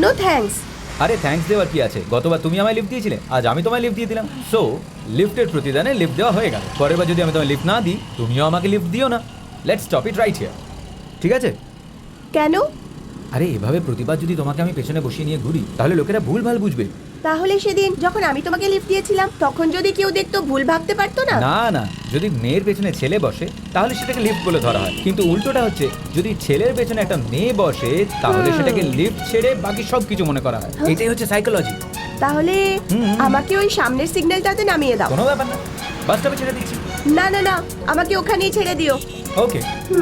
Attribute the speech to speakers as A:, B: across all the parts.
A: No thanks.
B: আরে thanks দেওয়ার কি আছে? গতবার তুমি আমায় লিফট দিয়েছিলে, আজ আমি তোমায় লিফট দিয়ে দিলাম। সো লিফটের প্রতিদানে লিফট দেওয়া হয়ে গেল। পরের বার যদি আমি তোমায় লিফট না দিই, তুমিও আমাকে লিফট দিও না। Let's stop it right here, ঠিক আছে?
A: কেন?
B: আরে এভাবে প্রতিবার যদি তোমাকে আমি পেছনে বসিয়ে নিয়ে ঘুরি, তাহলে লোকেরা ভুলভাল বুঝবে।
A: তাহলে সেদিন যখন আমি তোমাকে লিফট দিয়েছিলাম তখন যদি কেউ দেখতো ভুল ভাবতে পারতো না?
B: না না, যদি মেয়ের পেছনে ছেলে বসে তাহলে সেটাকে লিফট বলে ধরা হয়, কিন্তু উল্টোটা হচ্ছে যদি ছেলের পেছনে একটা মেয়ে বসে তাহলে সেটাকে লিফট ছেড়ে বাকি সব কিছু মনে করা হয়। এটাই হচ্ছে সাইকোলজি।
A: তাহলে আমাকে ওই সামনের সিগন্যালটাতে নামিয়ে দাও।
B: কোনো ব্যাপার না, বাস স্টপে ছেড়ে দিচ্ছি।
A: না না না, আমাকে ওখানেই ছেড়ে দিও।
B: ওকে।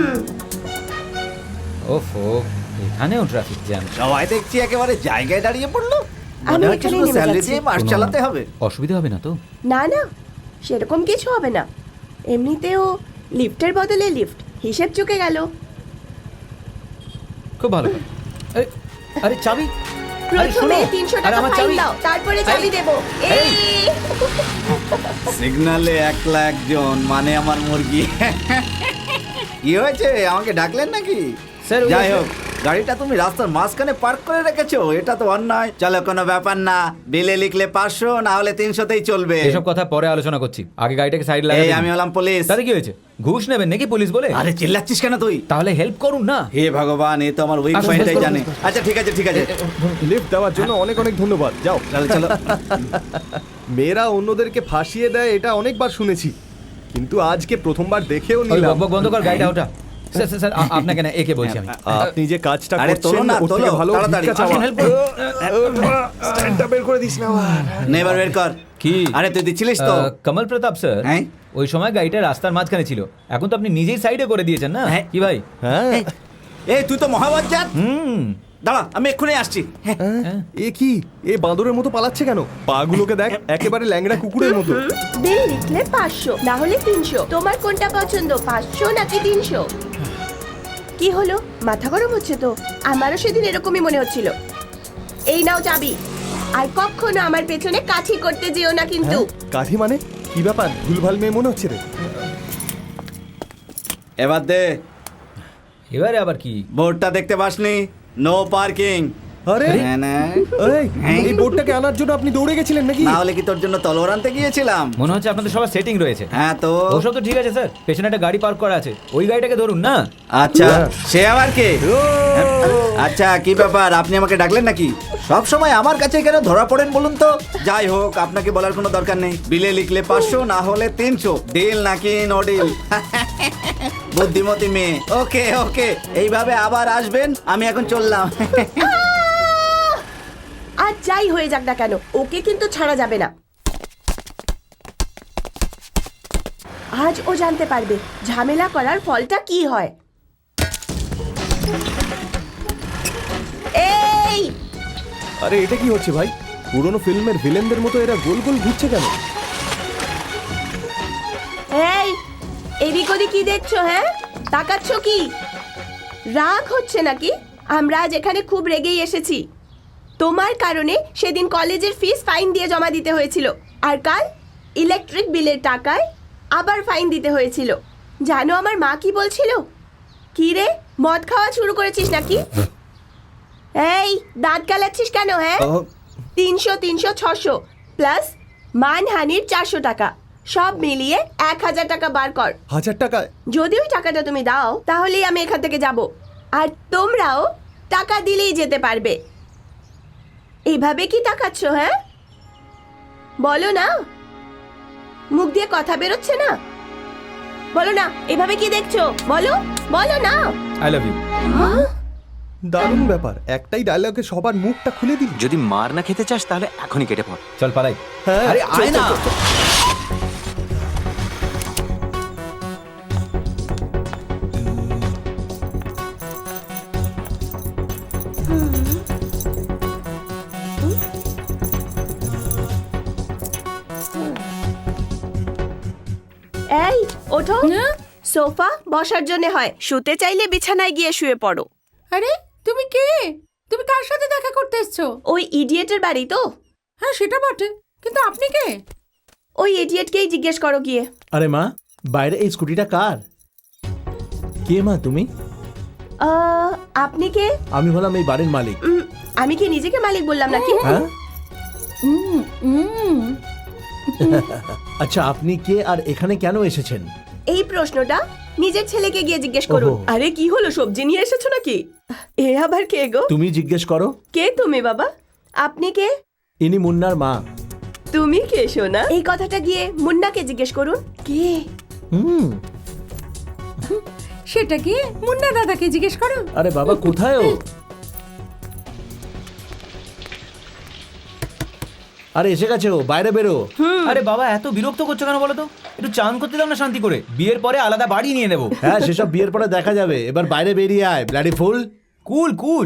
B: ওফো, এখানেও ট্রাফিক জ্যাম।
C: সবাই দেখছি একেবারে জায়গায় দাঁড়িয়ে পড়লো।
A: আমি
C: মনে হচ্ছে
A: এখানেই
C: শুধু
A: নেমে
C: স্যালারি
A: যাচ্ছি।
C: দিয়ে মাস চালাতে হবে।
B: অসুবিধা হবে না তো?
A: না না, সেরকম কিছু হবে না। এমনিতেও লিফটের বদলে লিফট, হিসেব চুকে গেল।
B: খুব ভালো। আরে চাবি?
A: প্রথমে 300 টাকা ফাইন দাও, তারপরে চাবি দেব। এই
C: সিগন্যালে একলা একজন, মানে আমার মুরগি। কি হয়েছে, আমাকে ডাকলেন নাকি?
B: স্যার,
C: যাই হোক, গাড়িটা তুমি রাস্তার মাঝখানে পার্ক করে রেখেছো, এটা তো অন্যায়। চলো, কোনো ব্যাপার না, বিলে লিখলে 500, না হলে 300তেই চলবে।
B: এসব কথা পরে আলোচনা করছি, আগে গাড়িটাকে সাইড
C: এই
B: লাগাই।
C: আমি হলাম পুলিশ।
B: তাহলে কি হয়েছে? ঘুষ নেবেন নাকি পুলিশ বলে?
C: আরে চিল্লাচ্ছিস কেন তুই?
B: তাহলে হেল্প করুন না।
C: হে ভগবান, এ তো আমার উইক
B: আসুন,
C: পয়েন্টটাই
B: আসুন,
C: জানে।
B: আসুন।
C: আচ্ছা ঠিক আছে ঠিক আছে,
D: লিফট দেওয়ার জন্য অনেক অনেক ধন্যবাদ। যাও।
C: চলো চলো।
D: মেয়েরা অন্যদেরকে ফাঁসিয়ে দেয় এটা অনেকবার শুনেছি, কিন্তু আজকে প্রথমবার দেখেও
B: ওই
D: নিলাম।
B: বকবক বন্ধ কর, গাড়িটা ওটা। স্যার স্যার স্যার, আপনাকে না, একে বলছি আমি।
D: আপনি যে কাজটা
C: আরে তোলো
D: করছেন
C: না,
D: ওর থেকে
C: তোলো,
D: ভালো
C: তাড়াতাড়ি।
D: ভিক্ষা চাওয়া।
B: আসুন, help করুন।
D: স্ট্যান্ডটা বের করে দিস না আবার।
C: নেবার বের কর।
B: কি?
C: আরে তুই দিচ্ছিলিস তো?
B: কমল প্রতাপ স্যার,
C: হ্যাঁ?
B: ওই সময় গাড়িটা রাস্তার মাঝখানে ছিল, এখন তো আপনি নিজেই সাইডে করে দিয়েছেন না?
C: হ্যাঁ।
B: কি ভাই?
D: হ্যাঁ।
C: এই তুই তো মহাবজ্জাত। দাঁড়া, আমি এক্ষুনি আসছি। হ্যাঁ।
D: এ কি, এ বাঁদরের মতো পালাচ্ছে কেন? পাগুলোকে দেখ, একেবারে ল্যাংড়া কুকুরের মতো।
A: বিল লিখলে 500, না হলে 300। তোমার কোনটা পছন্দ, 500 নাকি 300? কি হলো, মাথা গরম হচ্ছে তো? আমারও সেদিন এরকমই মনে হচ্ছিল। এই নাও চাবি, আর কখনো আমার পেছনে কাঠি করতে যেও না কিন্তু।
D: কাঠি মানে কি ব্যাপার? ভুলভাল মেয়ে মনে হচ্ছে রে।
C: এবার দে।
B: এবারে আবার কি?
C: বোর্ডটা দেখতে পাসনি? No parking.
D: আরে এই, এই বোর্ডটাকে আনার জন্য আপনি দৌড়ে গেছিলেন নাকি?
C: না হলে কি তোর জন্য তলোয়ার আনতে গিয়েছিলাম?
B: মনে হচ্ছে আপনাদের সবার সেটিং রয়েছে।
C: হ্যাঁ তো।
B: ওসব তো ঠিক আছে স্যার, পেছনে একটা গাড়ি পার্ক করা আছে, ওই গাড়িটাকে ধরুন না।
C: আচ্ছা, সে আবার কে? আচ্ছা, কি ব্যাপার, আপনি আমাকে ডাকলেন নাকি? সব সময় আমার কাছে কেন ধরা পড়েন বলুন তো? যাই হোক, আপনাকে বলার কোনো দরকার নেই। বিলে লিখলে 500, না হলে 300। ডিল নাকি নো ডিল? বুদ্ধিমতী মেয়ে। ওকে ওকে, এইভাবে আবার আসবেন, আমি এখন চললাম।
A: আর যাই হয়ে যাক না কেন, ওকে কিন্তু ছাড়া যাবে না। আজ ও জানতে পারবে ঝামেলা করার ফলটা কি হয়। এই
D: আরে এটা কি হচ্ছে ভাই? পুরনো ফিল্মের ভিলেনদের মতো এরা গোল গোল ঘুরছে কেন?
A: এই, এদিক ওদিক কি দেখছো? হ্যাঁ, তাকাচ্ছ কি? রাগ হচ্ছে নাকি? আমরা আজ এখানে খুব রেগেই এসেছি। তোমার কারণে সেদিন কলেজের ফিস ফাইন দিয়ে জমা দিতে হয়েছিল, আর কাল ইলেকট্রিক বিলের টাকায় আবার ফাইন দিতে হয়েছিল। জানো আমার মা কি বলছিল? কি রে, মদ খাওয়া শুরু করেছিস নাকি? এই, দাঁত কালাচ্ছিস কেন? হ্যাঁ, 300 300 600 প্লাস মানহানির 400 টাকা, সব মিলিয়ে 1000 টাকা বার কর।
D: 1000 টাকা?
A: যদি ওই টাকাটা তুমি দাও তাহলেই আমি এখান থেকে যাব, আর তোমরাও টাকা দিলেই যেতে পারবে। এইভাবে কি তাকাচ্ছ? হ্যাঁ, বলো না, মুখ দিয়ে কথা বেরোচ্ছে না? বলো না, এভাবে কি দেখছো? বলো বলো না।
B: I love you.
D: দারুণ ব্যাপার, একটাই ডায়লগে সবার মুখটা খুলে দিল।
E: যদি মার না খেতে চাস তাহলে এখনই কেটে পড়।
B: চল পালাই।
D: হ্যাঁ,
C: আরে
D: চল,
C: আয়
D: চল,
C: না।
D: চল, চল।
A: এই ওঠো, সোফা বসার জন্য হয়, শুতে চাইলে বিছানায় গিয়ে শুয়ে পড়ো।
F: আরে তুমি কে? তুমি কার সাথে দেখা করতে এসছো?
A: ওই ইডিয়েটের বাড়ি তো।
F: হ্যাঁ সেটা বটে, কিন্তু আপনি কে?
A: ওই ইডিয়েটকেই জিজ্ঞেস করো গিয়ে।
G: আরে মা, বাইরে এই স্কুটিটা কার? কে মা তুমি?
A: আপনি কে?
G: আমি হলাম এই বাড়ির মালিক।
A: আমি কি নিজেকে মালিক বললাম নাকি?
G: হ্যাঁ, আচ্ছা আপনি কে আর এখানে কেন এসেছেন?
A: এই প্রশ্নটা নিজের ছেলেকে গিয়ে জিজ্ঞেস করুন।
G: ওহো।
A: আরে কি হলো, সবজি নিয়ে এসেছো নাকি? এ আবার কে গো?
G: তুমি জিজ্ঞেস করো।
A: কে তুমি বাবা? আপনি কে?
G: ইনি মুন্নার মা।
A: তুমি কে সোনা? এই কথাটা গিয়ে মুন্নাকে জিজ্ঞেস করুন। কে?
G: হুম।
F: সেটা কি মুন্না দাদাকে জিজ্ঞেস করো।
G: আরে বাবা কোথায় ও? আরে এসে গেছে ও, বাইরে বেরো।
B: আরে বাবা এত বিরক্ত করছো কেন বলো তো? একটু চান করতে দাও না শান্তি করে, বিয়ের পরে আলাদা বাড়ি নিয়ে নেবো।
G: হ্যাঁ সেসব বিয়ের পরে দেখা যাবে, এবার বাইরে বেরিয়ে আয় ব্লাডি ফুল।
B: কুল কুল।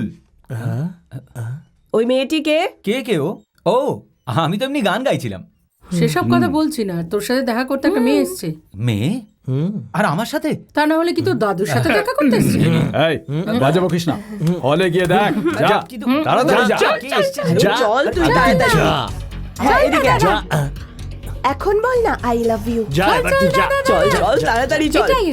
A: ওই মেয়েটি কে?
B: কে কে ও? ও আমি তো এমনি গান গাইছিলাম।
F: সেসব কথা বলছি না, তোর সাথে দেখা করতে একটা মেয়ে এসছে।
B: মেয়ে? আর আমার সাথে?
F: তা না হলে কি তোর দাদুর সাথে দেখা করতে এসছে?
H: এই বাজে বকিস না, হলে গিয়ে দেখ যা,
B: কিন্তু
H: তাড়াতাড়ি যা।
B: কে এসছে?
A: চল তুই তাড়াতাড়ি।
G: যা
A: হ্যাঁ, এদিকে আয়।
G: যা
A: এখন বল না আই লাভ ইউ।
G: যা এবার তুই যা।
A: চল চল তাড়াতাড়ি চল।
F: এটাই।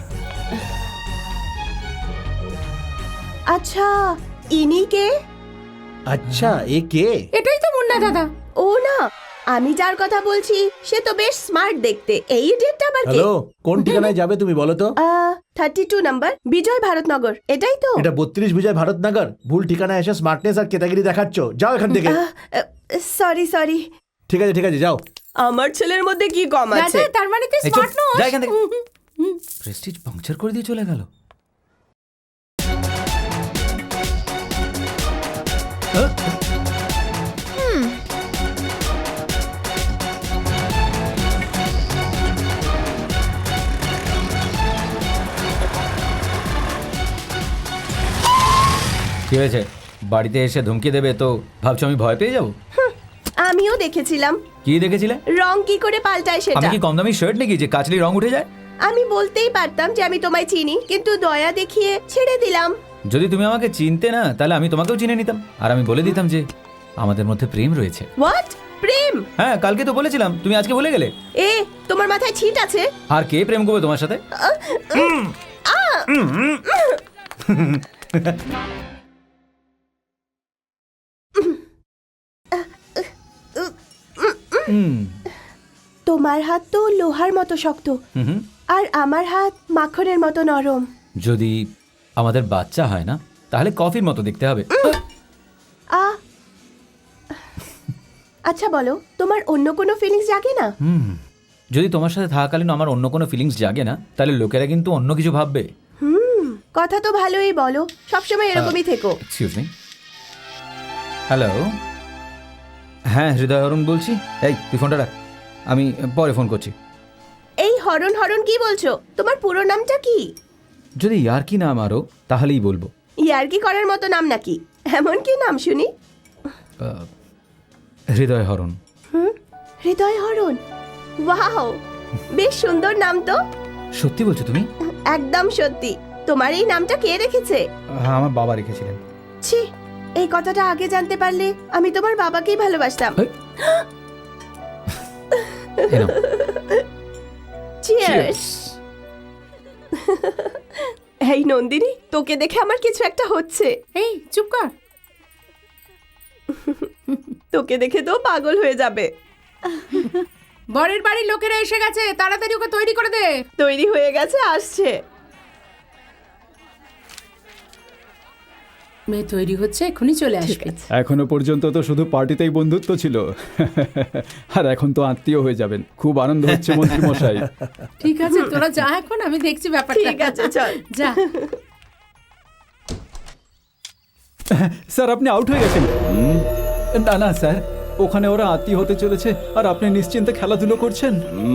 A: আচ্ছা ইনি কে?
G: আচ্ছা এ কে?
F: এটাই তো মুন্না দাদা।
A: ও না, আমি যার কথা বলছি সে তো বেশ স্মার্ট দেখতে। এই ডেটটা আবার কে?
G: হ্যালো, কোন ঠিকানায় যাবে তুমি বলো তো?
A: 32 নাম্বার বিজয় ভারতনগর, এটাই তো?
G: এটা 32 বিজয় ভারতনগর। ভুল ঠিকানায় এসে স্মার্টনেস আর কেতাগিরি দেখাচ্ছ, যাও এখান থেকে।
A: Sorry sorry.
G: ঠিক আছে যাও।
A: আমার ছেলের মধ্যে কি কম আছে?
F: দাদা তার মানে তুই
B: এই চুপ,
F: স্মার্ট নস।
B: যা এখান থেকে। প্রেস্টিজ পাংচার করে দিয়ে চলে গেল। কি হয়েছে? বাড়িতে এসে ধমকি দেবে তো ভাবছো আমি ভয় পেয়ে যাবো?
A: আমিও দেখেছিলাম
B: কি দেখেছিলে?
A: রং কি করে পাল্টায়
B: আমি
A: সেটা।
B: কি কম দামি শার্ট নাকি যে কাচলি রং উঠে যায়?
A: আমি বলতেই পারতাম যে আমি তোমায় চিনি, কিন্তু দয়া দেখিয়ে ছেড়ে দিলাম।
B: যদি তুমি আমাকে চিনতে না তাহলে আমি তোমাকেও চিনে নিতাম, আর আমি বলে দিতাম যে আমাদের মধ্যে প্রেম রয়েছে।
A: হোয়াট? প্রেম?
B: হ্যাঁ কালকে তো বলেছিলাম, তুমি আজকে ভুলে গেলে।
A: এ তোমার মাথায় ছিট আছে?
B: আর কে প্রেম করবে তোমার সাথে?
A: তোমার হাত তো লোহার মতো শক্ত,
B: হুম।
A: আর আমার হাত মাখনের মতো নরম।
B: যদি আমাদের বাচ্চা হয় না তাহলে কফির মতো দেখতে হবে।
A: আচ্ছা বলো, তোমার অন্য কোনো ফিলিংস জাগে না?
B: যদি তোমার সাথে থাকাকালীন আমার অন্য কোনো ফিলিংস জাগে না তাহলে লোকেরা কিন্তু অন্য কিছু ভাববে।
A: কথা তো ভালোই বলো, সবসময় এরকমই থেকো।
B: Excuse me. হ্যালো, হ্যাঁ হৃদয় হরণ বলছি। এই তুই ফোনটা রাখ, আমি পরে ফোন করছি।
A: এই হরণ হরণ কি বলছো? তোমার পুরো নামটা কি?
B: যদি ইয়ার কি নাম আরো তাহলেই বলবো।
A: ইয়ার্কি করার মতো নাম নাকি? এমন কি নাম শুনি?
B: হৃদয় হরণ।
A: হৃদয় হরণ, ওয়াও, বেশ সুন্দর নাম তো।
B: সত্যি বলছো তুমি?
A: একদম সত্যি। তোমার এই নামটা কে রেখেছে?
B: হ্যাঁ আমার বাবা রেখেছিলেন।
A: ছি, এই কথাটা আগে জানতে পারলে আমি তোমার বাবাকেই ভালোবাসতাম।
B: এই নাও।
A: চিয়ার্স। এই নন্দিনী, তোকে দেখে আমার কিছু একটা হচ্ছে।
F: এই চুপ কর।
A: তোকে দেখে তো পাগল হয়ে যাবে।
F: বরের বাড়ির লোকেরা এসে গেছে, তাড়াতাড়ি ওকে তৈরি করে দে।
A: তৈরি হয়ে গেছে, আসছে।
F: মেয়ে তৈরি হচ্ছে, এখনই চলে আসবে।
H: এখনো পর্যন্ত তো শুধু পার্টিতেই বন্ধুত্ব ছিল, আর এখন তো আত্মীয় হয়ে যাবেন। খুব আনন্দ হচ্ছে মন্ত্রী মশাই।
F: ঠিক আছে তোরা যা, এখন আমি দেখছি ব্যাপারটা।
A: ঠিক আছে, চল।
F: যা।
H: স্যার আপনি আউট হয়ে গেছেন। না না স্যার, ওখানে ওরা আত্মীয় হতে চলেছে আর আপনি নিশ্চিন্তে খেলাধুলো করছেন।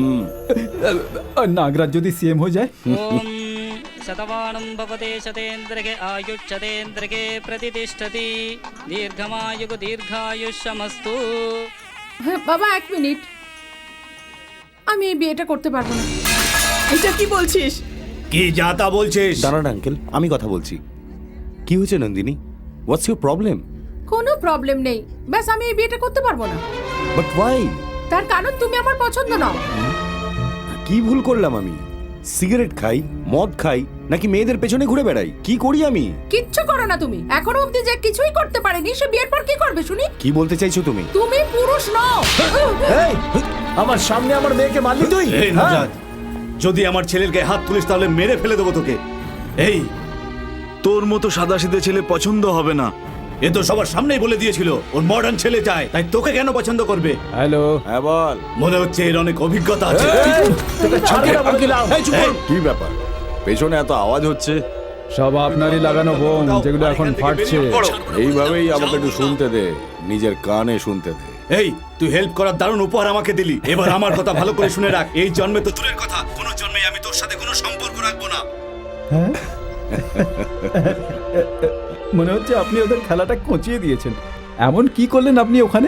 H: নাগরাজ যদি সিএম হয়ে যায়।
I: शतमानं भवते शतेन्द्रके आयुष्यतेन्द्रके प्रतिष्ठति दीर्घमायुः दीर्घायुष्यमस्तु।
F: হ্যাঁ বাবা, এক মিনিট, আমি এই বিয়েটা করতে পারবো না।
A: এটা কি বলছিস?
D: কি যা তা বলছিস?
J: দাঁড়ান আঙ্কেল, আমি কথা বলছি। কি হয়েছে নন্দিনী? What's your problem?
F: কোনো প্রবলেম নেই, ব্যাস আমি এই বিয়েটা করতে পারবো না।
J: But why?
F: তার কারণ তুমি আমার পছন্দ নও।
J: কি ভুল করলাম আমি? সিগারেট খাই, মদ খাই, নাকি মেয়েদের পেছনে ঘুরে বেড়াই? কি করি আমি?
F: কিচ্ছু করো না তুমি। এখনো অবধি যে কিছুই করতে পারেনি, সে বিয়ের পর কি করবে শুনি?
J: কি বলতে চাইছো তুমি?
F: তুমি পুরুষ নও।
G: এই, আমার সামনে আমার মেয়েকে মারলি তুই?
C: এই
G: হ্যাঁ?
C: নজাত, যদি আমার ছেলের গায়ে হাত তুলিস তাহলে মেরে ফেলে দেবো তোকে। এই, তোর মতো সাদাসিধে ছেলে পছন্দ হবে না। এ তো সবার সামনেই বলে দিয়েছিল ওর মডার্ন ছেলে চায়, তাই তোকে কেন পছন্দ করবে?
H: হ্যালো,
J: হ্যাঁ বল।
C: মনে হচ্ছে এর অনেক অভিজ্ঞতা আছে।
G: তোকে ছাড়বে না বলে দিলাম।
J: কি ব্যাপার? পেছনে এত আওয়াজ হচ্ছে।
H: সব আপনারই লাগানো বোম, যেগুলো এখন ফাটছে।
J: এইভাবেই আমাকে একটু শুনতে দে, নিজের কানে শুনতে দে।
C: এই, তুই হেল্প করার দারুণ উপহার আমাকে দিলি। এবার আমার কথা ভালো করে শুনে রাখ। এই জন্মে তো দূরের কথা, কোনো জন্মে আমি তোর সাথে কোনো সম্পর্ক রাখবো না।
H: মনে হচ্ছে আপনি ওদের খেলাটা কচিয়ে দিয়েছেন। এমন কি করলেন আপনি ওখানে?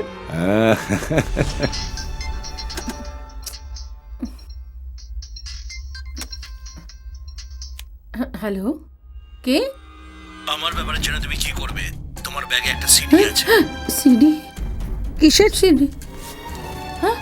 F: হ্যালো, কে?
G: আমার ব্যাপারে জেনে তুমি কি করবে? তোমার ব্যাগে একটা সিডি আছে।
F: সিডি? কিসের সিডি? হ্যাঁ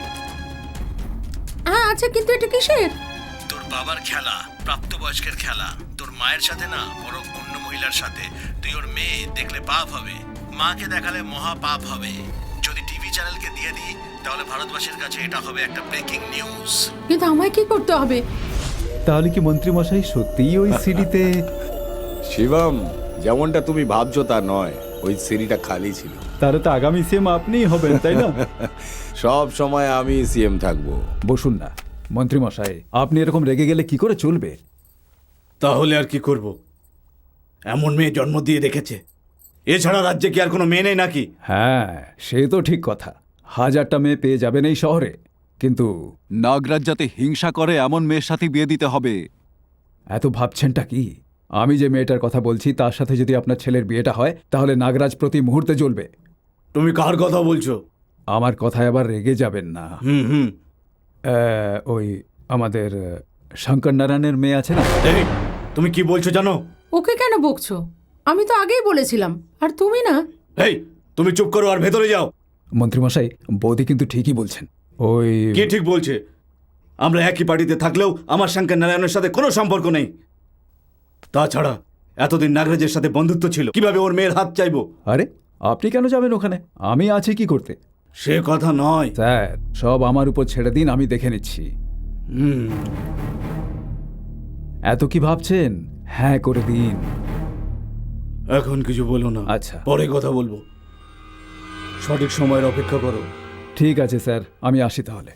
F: হ্যাঁ, আচ্ছা, কিন্তু এটা কিসের?
G: তোর বাবার খেলা, প্রাপ্তবয়স্কের খেলা। তোর মায়ের সাথে না, বরং অন্য মহিলার সাথে। তুই ওর মেয়ে দেখলে পাপ হবে, মাকে দেখালে মহা পাপ হবে। যদি টিভি চ্যানেলকে দিয়ে দিই তাহলে ভারতবাসীর কাছে এটা হবে একটা ব্রেকিং নিউজ।
F: কিন্তু আমায় কি করতে হবে?
H: তাহলে কি মন্ত্রীমশাই সত্যিই ওই সিডিতে?
J: শিবম, যেমনটা তুমি ভাবছো তা নয়, ওই সিঁড়িটা খালি ছিল।
H: তাহলে তো আগামী সিএম আপনিই হবেন, তাই না?
J: সব সময় আমি সিএম থাকবো।
H: বসুন না মন্ত্রীমশাই, আপনি এরকম রেগে গেলে কি করে চলবে?
C: তাহলে আর কি করব? এমন মেয়ে জন্ম দিয়ে রেখেছে। এছাড়া রাজ্যে কি আর কোনো মেয়ে নেই নাকি?
H: হ্যাঁ, সে তো ঠিক কথা। 1000টা মেয়ে পেয়ে যাবেন এই শহরে, কিন্তু
K: নাগরাজ যাতে হিংসা করে এমন মেয়ের সাথে বিয়ে দিতে হবে।
H: এত ভাবছেনটা কি? আমি যে মেয়েটার কথা বলছি তার সাথে যদি আপনার ছেলের বিয়েটা হয় তাহলে নাগরাজ প্রতি মুহূর্তে জ্বলবে।
C: তুমি কার কথা বলছো?
H: আমার কথায় আবার রেগে যাবেন না।
C: হুম।
H: ওই আমাদের শঙ্কর নারায়ণের মেয়ে আছে না?
C: এই, তুমি কি বলছো জানো?
F: ওকে কেন বকছো? আমি তো আগেই বলেছিলাম। আর তুমি না?
C: এই, তুমি চুপ করো আর ভেতরে যাও।
H: মন্ত্রীমশাই, বৌদি কিন্তু ঠিকই বলছেন। ওই
C: কে ঠিক বলছে? আমরা একই পার্টিতে থাকলেও আমার শঙ্কর নারায়ণের সাথে কোনো সম্পর্ক নেই। তাছাড়া এতদিন নাগরাজের সাথে বন্ধুত্ব ছিল, কিভাবে ওর মেয়ের হাত চাইবো?
H: আরে, আপনি কেন যাবেন ওখানে? আমি আছি কি করতে?
C: সে কথা নয়
H: স্যার, সব আমার উপর ছেড়ে দিন, আমি দেখে নিচ্ছি। এত কি ভাবছেন? হ্যাঁ করে দিন।
C: এখন কিছু বলো না।
H: আচ্ছা।
C: পরে কথা বলবো। সঠিক সময়ের অপেক্ষা করো।
H: ঠিক আছে স্যার, আমি আসি তাহলে।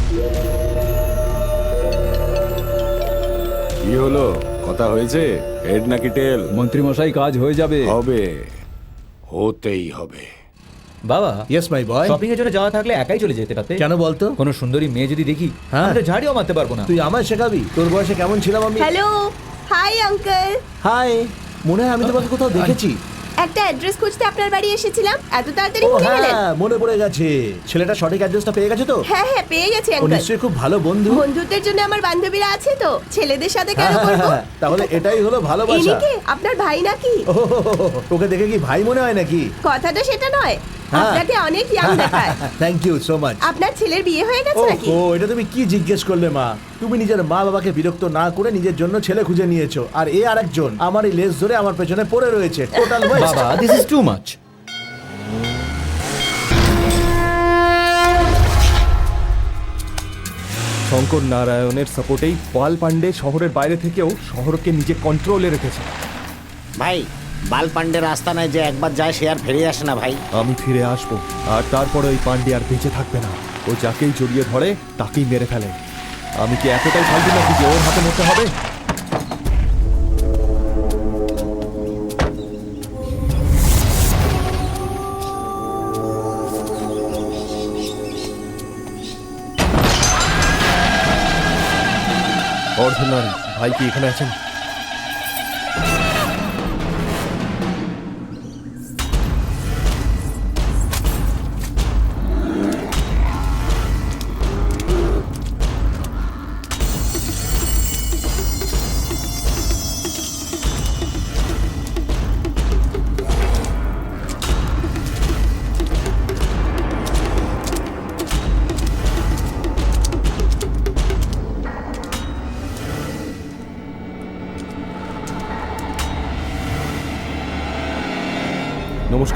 J: কি হলো? কথা হয়েছে? হেড নাকি টেল?
H: মন্ত্রীমশাই, কাজ হয়ে যাবে।
J: হবে, হতেই হবে।
B: বাবা,
G: ইয়েস মাই বয়।
B: শপিং এর জন্য যাওয়া থাকলে একাই চলে যেতে পারতে।
G: কেন বলতো?
B: কোনো সুন্দরী মেয়ে যদি দেখি,
G: হ্যাঁ।
B: আমি তো ঝাড়িও মারতে পারবো না।
G: তুই আমায় শেখাবি? তোর বয়সে কেমন ছিলাম আমি?
A: Hello, hi uncle.
G: হাই, মনে হয় আমি তোমাকে কোথাও দেখেছি।
A: একটা অ্যাড্রেস খুঁজতে আপনার বাড়ি এসেছিলাম। এত তাড়াতাড়ি
G: ও
A: ভুলে গেলেন?
G: হ্যাঁ, মনে পড়ে গেছে। ছেলেটা সঠিক অ্যাড্রেসটা পেয়ে গেছে তো?
A: হ্যাঁ হ্যাঁ, পেয়ে গেছি
G: ও
A: আঙ্কেল।
G: নিশ্চয়ই খুব ভালো বন্ধু।
A: বন্ধুত্বের জন্য আমার বান্ধবীরা আছে তো, ছেলেদের সাথে কেন
G: হ্যাঁ,
A: করব?
G: হ্যাঁ, তাহলে এটাই হলো ভালোবাসা।
A: ইনি কে? আপনার ভাই নাকি?
G: ও, ওকে দেখে কি ভাই মনে হয় নাকি?
A: কথাটা সেটা নয়,
G: হ্যাঁ।
A: আপনাকে অনেক ইয়াং দেখায়।
G: Thank you so much.
A: আপনার ছেলের বিয়ে হয়ে গেছে নাকি?
G: ও, এটা তুমি কি জিজ্ঞেস করলে মা? তুমি নিজের মা বাবাকে বিরক্ত না করে নিজের জন্য ছেলে খুঁজে নিয়েছো, আর এ আরেকজন আমার এই লেজ ধরে আমার পেছনে পড়ে রয়েছে। Total waste.
B: বাবা, this is too much.
D: Shankar নারায়ণের সাপোর্টেই পাল পান্ডে শহরের বাইরে থেকেও শহরকে নিজে কন্ট্রোলে রেখেছে।
L: ভাই, বাল পান্ডের আস্তানায় যে একবার যায় সে আর ফিরে আসে না ভাই।
D: আমি ফিরে আসবো, আর তারপরে ওই পান্ডে আর বেঁচে থাকবে না। ও যাকেই জড়িয়ে ধরে তাকেই মেরে ফেলে। আমি কি এতটাই ফালতু নাকি যে ওর হাতে মরতে হবে? অর্ধনারী ভাই কি এখানে আছেন?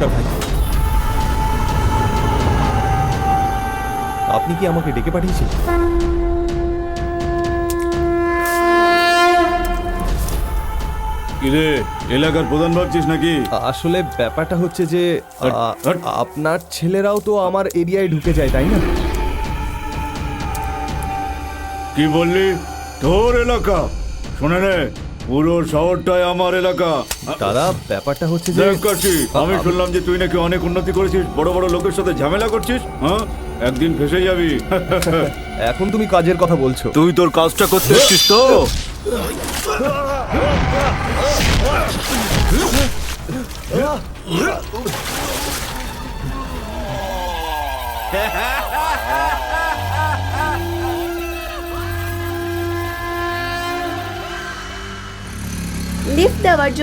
D: নমস্কার ভাই। আপনি কি আমাকে ডেকে পাঠিয়েছেন?
G: কিরে এলাকার প্রধান ভাবছিস নাকি?
D: আসলে ব্যাপারটা হচ্ছে যে আপনার ছেলেরাও তো আমার এরিয়ায় ঢুকে যায়, তাই না?
G: কি বললি? তোর এলাকা? শোনে রে, পুরো শহরটাই আমার এলাকা।
D: দাদা ব্যাপারটা হচ্ছে যে
G: দেখ কাশি, আমি শুনলাম যে তুই নাকি অনেক উন্নতি করেছিস, বড় বড় লোকের সাথে ঝামেলা করছিস। হ্যাঁ, একদিন ফেসে যাবি।
D: এখন তুমি কাজের কথা বলছো।
G: তুই তোর কাজটা করতে এসছিস তো?
A: লিফট দেওয়ার জন্য